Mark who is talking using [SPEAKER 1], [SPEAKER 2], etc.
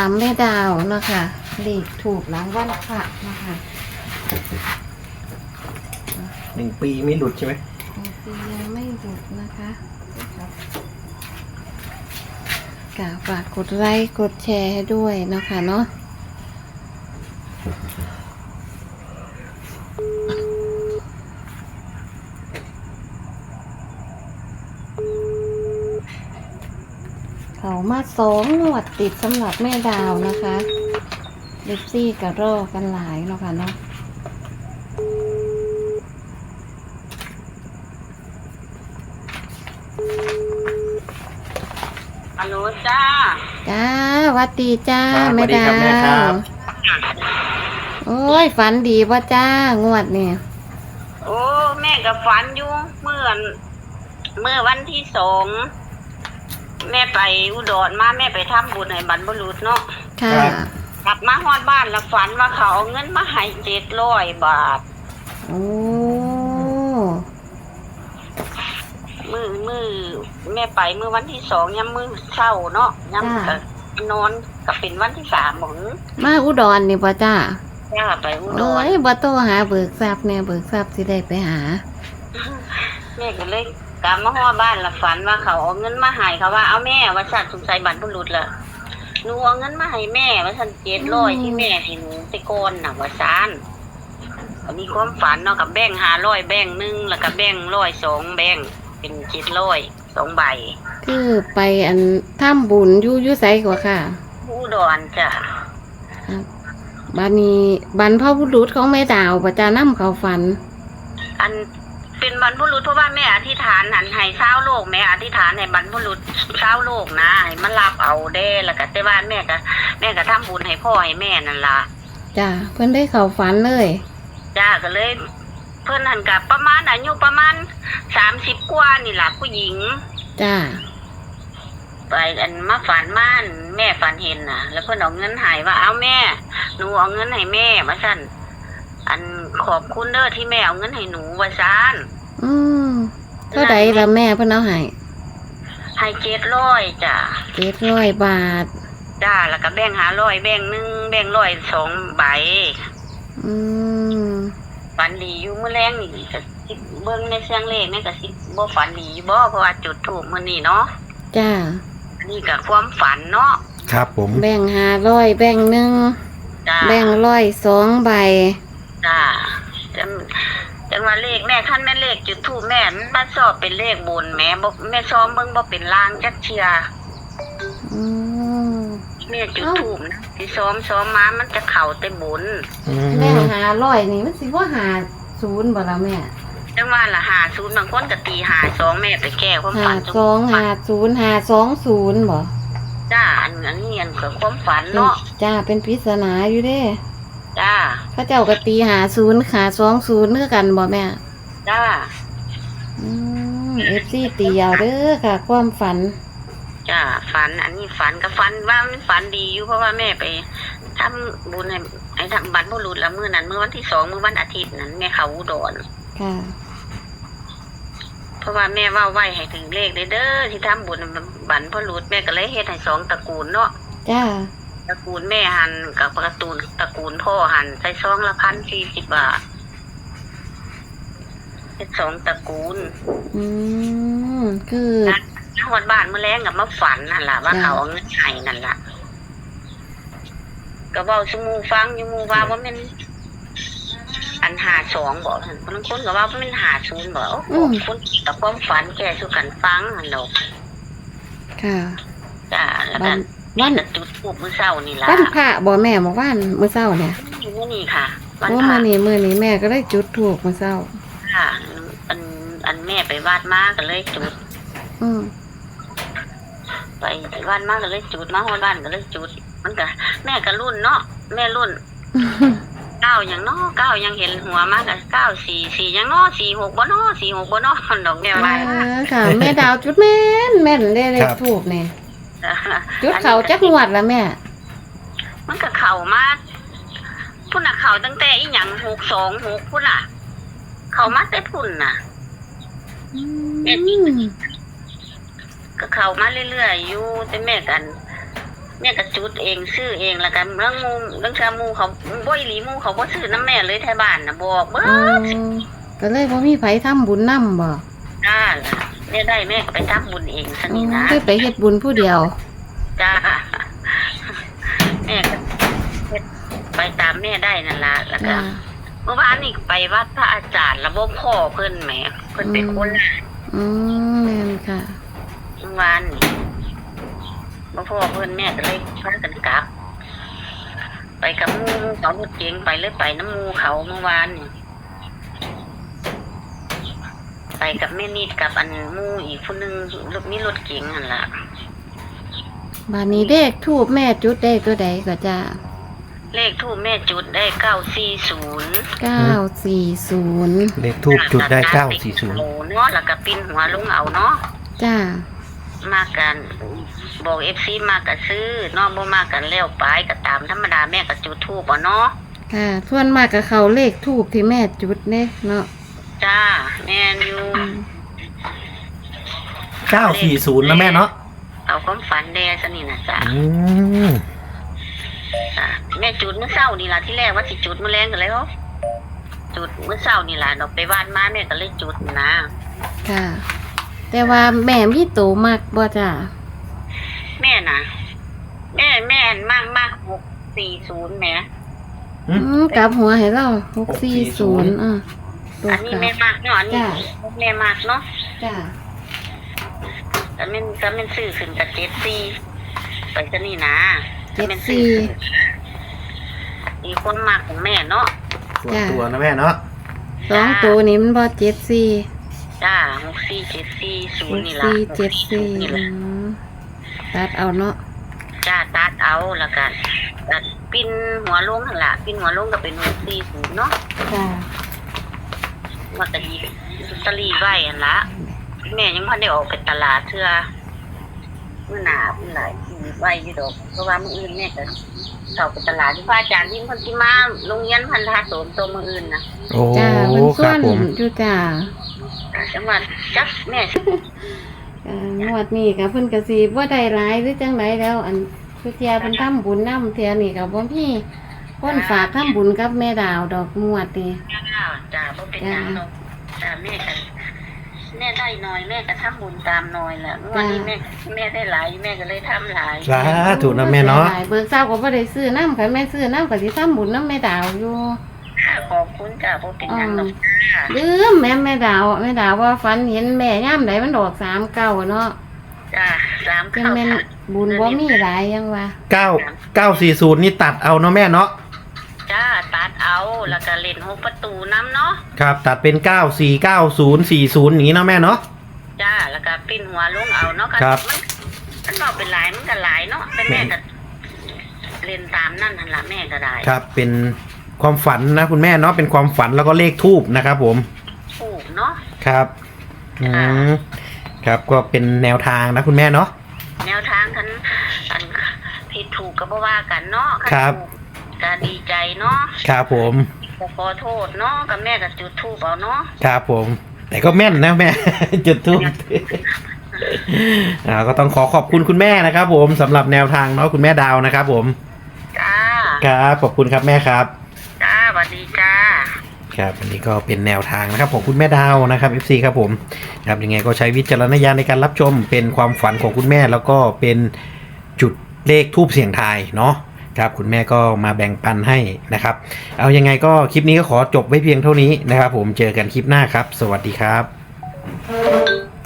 [SPEAKER 1] ามแม่ดาวนะคะเลขถูกหลังวันพระนะคะ
[SPEAKER 2] 1 ปีไม่หลุดใช่ไหม
[SPEAKER 1] ปียังไม่หยุดนะคะฝากกดไลค์กดแชร์ให้ด้วยนะคะเนาะเขามา2 งวดติดสำหรับแม่ดาวนะคะเล็กซี่กับรอกันหลายเนาะค่ะเนาะ
[SPEAKER 3] ฮัลโหลจ้า
[SPEAKER 1] หวัดดีจ้า
[SPEAKER 2] ครับ
[SPEAKER 1] แม่ดา
[SPEAKER 2] สวัสดีครับแม่ครั
[SPEAKER 1] ว
[SPEAKER 2] บ
[SPEAKER 1] โอ้ยฝันดีป่ะจ้างวดเนี่ย
[SPEAKER 3] โอ้แม่กับฝันอยู่เมื่อวันที่2แม่ไปอุดรมาแม่ไปทำบุญให้บรรพบุรุษเนาะ
[SPEAKER 1] ค่ะ
[SPEAKER 3] กลับมาฮอดบ้านแล้วฝันว่าเขาเอาเงินมาให้700 บาท
[SPEAKER 1] โอ้
[SPEAKER 3] มือแม่ไปเมื่อวันที่2ยามมื้อเช้าเนาะยามก็นอนก็เป็นวันที่3หมอง
[SPEAKER 1] มาอุดรนี่ป่ะจ้า
[SPEAKER 3] ย่าไปอุด
[SPEAKER 1] โอ้
[SPEAKER 3] ร
[SPEAKER 1] ยบ่โตหาเบิกทรัพย์เนี่ยเบิกทรัพย์สิได้ไปหา
[SPEAKER 3] แม่ก็เลยกลับมาฮอดบ้านแล้วฝันว่าเขาเอาเงินมาให้เขาว่าเอาแม่ว่าสัตว์สงสัยบรรพบุรุษล่ะหนูเอาเงินมาให้แม่ว่าสัน700ที่แม่ให้หนูไปก่อนน่ะว่าซานอันนี้ความฝันเนาะกับแบ่ง500แบ่ง1แล้วก็แบ่ง100 2แบ่งเป็น700 2ใบ
[SPEAKER 1] คือไปอันทำบุญอยู่ไสกว่าค่ะ
[SPEAKER 3] อุดรจ้ะ
[SPEAKER 1] บัดนี้บรรพบุรุษของแม่ดาวป่ะจ้านำเขาฝัน
[SPEAKER 3] อันเป็นบรรพบุรุษเพราะว่าแม่อธิษฐานหันให้ชาวโลกแม่อธิษฐานให้บรรพบุรุษชาวโลกนะให้มันรับเอาเด้แล้วก็แต่ว่าแม่ก็ทำบุญให้พ่อให้แม่นั่นล่ะ
[SPEAKER 1] จ้าเพิ่นได้เขาฝันเลย
[SPEAKER 3] จ้าก็เลย เพิ่นหันกับประมาณอายุประมาณ30 กว่านี่ล่ะผู้หญิง
[SPEAKER 1] จ้า
[SPEAKER 3] ไปอันมาฝันม่านแม่ฝันเห็นน่ะ แล้วเพิ่นเอาเงินให้ว่าเอาแม่หนูเอาเงินให้แม่ว่าซั่นอันขอบคุณเด้อที่แม่เอาเงินให้หนูว่าซั่น
[SPEAKER 1] อืมเท่าใดล่ะแม่เพิ่นเอาให้
[SPEAKER 3] ให้700จ้ะ
[SPEAKER 1] 700 บาท
[SPEAKER 3] จ้าแล้วก็แบ่ง500แบ่ง1แบ่ง100 2ใบ
[SPEAKER 1] อืม
[SPEAKER 3] ฝันดีอยู่มื้อแรงนี่ก็สิเบิ่งในเสียงเลขแม่ก็สิบ่ฝันดีบ่เพราะว่าจุดธูปมื้อนี้เนาะ
[SPEAKER 1] จ้า
[SPEAKER 3] อันนี้ก็ความฝันเนาะ
[SPEAKER 2] ครับผม
[SPEAKER 1] แบ่ง500แบ่ง
[SPEAKER 3] จ้า
[SPEAKER 1] 1แบ่ง102 ใบ
[SPEAKER 3] จ้าจังว่าเลขแม่คันแม่เลขจุดธูปแม่มันบ่ชอบเป็นเลขบนแม่บ่แม่ซ้อมเบิ่งบ่เป็นลางจักเที่ย
[SPEAKER 1] อืม
[SPEAKER 3] แม่จุดธูปนะที่ซ้อมมามันจะเข้าแต่บน
[SPEAKER 1] แบ่ง500นี่มันสิบ่50บ่ล่ะแม่
[SPEAKER 3] จังว่าล่ะ50บางคนก็ตี52แม่ไปแก้ความฝัน
[SPEAKER 1] 5250 520บ่
[SPEAKER 3] จ้าอันนี้อันก็ความฝันเนาะ
[SPEAKER 1] จ้าเป็นปริศนาอยู่เด้
[SPEAKER 3] จ้า
[SPEAKER 1] เขาเจ้าก็ตี50 520คือกันบ่แม่
[SPEAKER 3] จ้า
[SPEAKER 1] FC ตีเอาเด้อค่ะ ความฝัน
[SPEAKER 3] จ้าฝันอันนี้ฝันก็ฝันว่ามันฝันดีอยู่เพราะว่าแม่ไปทำบุญให้ทำบรรพบุรุษละมื้อนั้นมื้อวันที่2มื้อวันอาทิตย์นั้นแม่เขาอุดร
[SPEAKER 1] ค่ะ
[SPEAKER 3] เพราะว่าแม่ว่าไว้ให้ถึงเลขเด้อที่ทำบุญบรรพบุรุษแม่ก็เลยเฮ็ดให้2ตระกูลเนาะ
[SPEAKER 1] จ้า
[SPEAKER 3] ตระกูลแม่หันกับตระกูลพ่อหันใส่ซองละ1,040 บาทเฮ็ด2ตระกูล
[SPEAKER 1] คือ
[SPEAKER 3] ฮอดบ้านมื้อแลงก็มาฝันนั่นล่ะว่าเขาเอาเงินให้นั่นล่ะก็เว้าซุหมู่ฟังอยู่หมู่ว่าบ่แม่นอัน52บ่ซั่นบางคนก็ว่าบ่แม่น50บ่โอ้คนกับความฝันแก่สู่กันฟังหั่นดอก
[SPEAKER 1] ค่ะ
[SPEAKER 3] จ้าแล้วก็
[SPEAKER 1] วัน
[SPEAKER 3] จะจุดธูปมื้อเช้านี่ล่ะ
[SPEAKER 1] วันพระบ่แม่เมื่อวานมื้อเช้าเนี่ย
[SPEAKER 3] มื้อนี้ค่ะวัน
[SPEAKER 1] โอ้
[SPEAKER 3] พระ
[SPEAKER 1] มื้อนี้แม่ก็ได้จุดธูปมื้อเช้า
[SPEAKER 3] ค่ะอันแม่ไปวาดมาก็เลยจุด
[SPEAKER 1] อืม
[SPEAKER 3] ไปวาดมาก็เลยจุดมาฮอดบ้านก็เลยจุดมันก็แม่ก็รุ่นเนาะแม่รุ่น9หยังเนาะ9ยังเห็นหัวมาก็944หยังเนาะ46บ่เนาะ46บ่เนาะดอกแม่ว่า
[SPEAKER 1] ค่ะ แม่ดาวจุดแม่นได้เลขถูกเนี่ยจุดเขาจักงวดแล้วแม่
[SPEAKER 3] มันก็เข้ามาพุ่นน่ะเข้าตั้งแต่อีหยัง626พุ่นน่ะ เข้ามาแต่พุ่นน่ะก็เข้ามาเรื่อยๆอยู่แต่แม่กันแม่ก็จุดเองซื้อเองแล้วกันเรื่องชามูเขาบ่อีหลีมูเขาบ่ซื้อน้ำแม่เลยไทยบ้านน่ะบอกเบิ
[SPEAKER 1] อ๋อ
[SPEAKER 3] ด
[SPEAKER 1] ก็เลยบ่มีไผทำบุญนำบ่
[SPEAKER 3] จ้าล่ะแม่ได้แม่ก็ไปทำบุญเองซะนี่นะ
[SPEAKER 1] ได้ไปเฮ็ดบุญผู้เดียว
[SPEAKER 3] จ้าแม่ก็เฮ็ดไปตามแม่ได้นั่นล่ะแล้วก็
[SPEAKER 1] จ้า
[SPEAKER 3] เมื่อวานนี่ไปวัดพระอาจารย์ระบบพ่อเพิ่นแหมเพิ่นเป็นคนละ
[SPEAKER 1] อืมแม่นค่ะ
[SPEAKER 3] เมื่อวานนี่บ่พ่อเพิ่นแม่ก็เลยพากันกลับ ไปกับหมู่เขารถเก๋งไปเลยไปน้ำหมู่เขาเมื่อวานนี่ไปกับแม่นิดกับอันหมู่อีกผู้หนึงมีรถเก๋งหั่นล่ะ
[SPEAKER 1] บัดนี้เลขทูปแม่จุดได้ตัวใดก็จ้า
[SPEAKER 3] เลขทูปแม่จุดได้940
[SPEAKER 1] 940
[SPEAKER 2] เลขทูบจุดได้
[SPEAKER 3] โอ้เนาะแล้วก็ปิ้นหัวลงเอาเนาะ
[SPEAKER 1] จ้า
[SPEAKER 3] มากันบอก FC มาก็ซื้อเนาะบ่มากันแล้วไปก็ตามธรรมดาแม่ก็จุดธูปเนาะ
[SPEAKER 1] ค่ะส่วนมากก็เขาเลขทูปที่แม่จุดเด้เนาะ
[SPEAKER 3] จ้าแม่นอยู่
[SPEAKER 2] 940นะแม่เนาะ
[SPEAKER 3] เอาความฝันแดซะนี่นะจ้า
[SPEAKER 2] อืม
[SPEAKER 3] จ้าแม่จุดเมื่อเช้านี่ล่ะที่แรกว่าสิจุดมื้อแลงกันแล้วจุดเมื่อเช้านี่ล่ะดอกไปบ้านมาแม่ก็เลยจุดนะ
[SPEAKER 1] ค่ะ แต่ว่าแม่มีโตมากบ่จ้า
[SPEAKER 3] แม่น่ะแม่มาก640แหม
[SPEAKER 1] กลับหัวให้เรา640ตัว
[SPEAKER 3] อันนี้
[SPEAKER 1] กลับ
[SPEAKER 3] แม่มากเนาะอันนี้
[SPEAKER 1] จ้ะ
[SPEAKER 3] แม่มากเนาะ
[SPEAKER 1] จ้า
[SPEAKER 3] ก็แม่นซื้อขึ้นกับ74ไปซะนี่นะก็แม่นซื้อขึ้นอีกคนมากของแม่เนาะ
[SPEAKER 2] ส่วนตัวนะแม่เนาะ
[SPEAKER 1] 2ตัวนี้มันบ่74
[SPEAKER 3] จ้า6474นี่ล่ะ
[SPEAKER 1] 6474
[SPEAKER 3] นี่ล่ะ
[SPEAKER 1] ตัดเอาเนาะ
[SPEAKER 3] จ้าตัดเอาแล้วกันตัดปิ้นหัวลงหั่นล่ะปิ้นหัวลงก็เป็น640เนาะ
[SPEAKER 1] จ้า
[SPEAKER 3] ว่าก็ดีลอตเตอรี่ไว้หั่นล่ะแม่ยังบ่ได้ออกไปตลาดเทื่อมื้อหน้ามื้อหลายไว้อยู่ดอกเพราะว่ามื้ออื่นแม่ก็เข้าไปตลาดที่พระอาจารย์ยิ่งเพิ่นสิมาโรงเรียนพันธะโสมตัวมื้ออื่นน่ะ
[SPEAKER 2] โอ้
[SPEAKER 1] จ้าเพิ่น
[SPEAKER 2] ค
[SPEAKER 1] ส่ว
[SPEAKER 2] รับ
[SPEAKER 1] น
[SPEAKER 2] ผม
[SPEAKER 1] อยู่จ้า
[SPEAKER 3] จังหวัดจักแม่
[SPEAKER 1] งวดนี้ก็เพิ่นก็สิบ่ได้หลายหรือจังไดแล้ว อันคือเที่ยเพิ่นทำบุญนำเที่ยนี่ก็บ่มีคนฝากทำบุญกับแม่ดาวดอกงวดนี่
[SPEAKER 3] จ้าบ่เป็นหยังดอกจ้าแม่ก็แม่ได้น้อยแม่ก็ทำบุญตามน้อยแหละวันนี้แม่ได้หลายแม่ก็เลยทำหลาย
[SPEAKER 2] สาธุนะแม่เนาะ
[SPEAKER 1] เบิกเช้าก็บ่ได้ซื้อน้ำค่ะแม่ซื้อน้ำก็สิทำบุญน้ำแม่ดาวอยู่
[SPEAKER 3] ขอบคุณจ้าบ่เป็นหยังดอกจ้า
[SPEAKER 1] ลืมแม่ดาวว่าฝันเห็นแม่ย่ามใดมันดอก39เนาะ
[SPEAKER 3] จ้า
[SPEAKER 1] จังแม่นบุญบ่มีหลายยังว่า
[SPEAKER 2] 940นี่ตัดเอาเนาะแม่เนาะ
[SPEAKER 3] จ้าตัดเอาแล้วก็เล่น6ประตูน้ำเนาะ
[SPEAKER 2] ครับตัดเป็น949040อย่างนี้เนาะแม่เนาะ
[SPEAKER 3] จ้าแล้วก็ปิ้นหัวลงเอาเนาะก็
[SPEAKER 2] ครับ
[SPEAKER 3] มันบอกเป็นหลายมันก็หลายเนาะเป็นแม่ก็เล่นตามนั่นหั่นล่ะแม่ก็ได้
[SPEAKER 2] ครับเป็นความฝันนะคุณแม่เนาะเป็นความฝันแล้วก็เลขทูบนะครับผม
[SPEAKER 3] ถูกเนาะ
[SPEAKER 2] ครับครับก็เป็นแนวทางนะคุณแม่เนาะ
[SPEAKER 3] แนวทางคันอันผิดถูกก็บ่ว่ากันเนาะ
[SPEAKER 2] ครับ
[SPEAKER 3] ก็ดีใจเนาะ
[SPEAKER 2] ครับผม
[SPEAKER 3] ก็ขอโทษเนาะกับแม่ก็จุดธูปเอาเนาะ
[SPEAKER 2] ครับผม แต่ก็แม่นนะแม่ จุดทูบก็ต้องขอบคุณคุณแม่นะครับผมสำหรับแนวทางเนาะคุณแม่ดาวนะครับผม
[SPEAKER 3] จ้า
[SPEAKER 2] ครับขอบคุณครับแม่ครับ
[SPEAKER 3] จ้าสวัสดีจ้า
[SPEAKER 2] ครับอันนี้ก็เป็นแนวทางนะครับของคุณแม่ดาวนะครับ FC ครับผมครับยังไงก็ใช้วิจารณญาณในการรับชมเป็นความฝันของคุณแม่แล้วก็เป็นจุดเลขทูบเสียงทายเนาะครับคุณแม่ก็มาแบ่งปันให้นะครับเอายังไงก็คลิปนี้ก็ขอจบไว้เพียงเท่านี้นะครับผมเจอกันคลิปหน้าครับ สวัสดีครับ